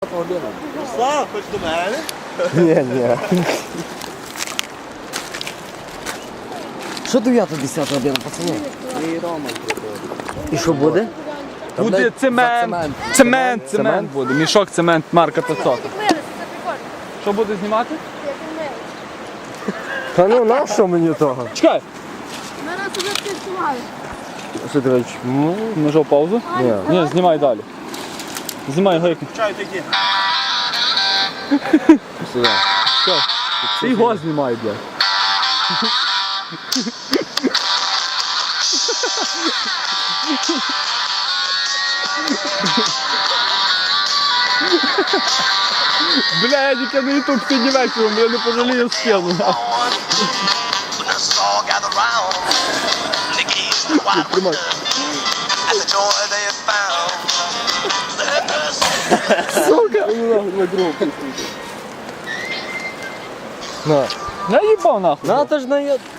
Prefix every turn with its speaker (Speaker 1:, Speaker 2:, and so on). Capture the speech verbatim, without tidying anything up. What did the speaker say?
Speaker 1: година.
Speaker 2: Руслан, хоч до мене?
Speaker 1: Ні, ні. Що дев'ята десята година, пацани?
Speaker 2: І Рома.
Speaker 1: І що буде?
Speaker 3: Буде цемент. Цемент, цемент буде. Мішок цемент, марка п'ятсот.
Speaker 4: Милися, це прикольно.
Speaker 3: Що буде знімати?
Speaker 4: Як він милий.
Speaker 1: Та ну на що мені того?
Speaker 3: Чекай.
Speaker 4: Ми раз уже всі знімали.
Speaker 1: Що ти кажеш? Ну,
Speaker 3: Нажав паузу?
Speaker 1: ні.
Speaker 3: Ні, знімай далі. Знімай його як.
Speaker 2: Чай такі.
Speaker 1: Сюди.
Speaker 3: Чекай. Ти його знімай, блядь. Бля, я тільки на ютуб сьогодні вечором, я не пожалію скину. Тримай. Сука!
Speaker 1: На.
Speaker 3: Я їбав нахуй.
Speaker 1: На, та ж на...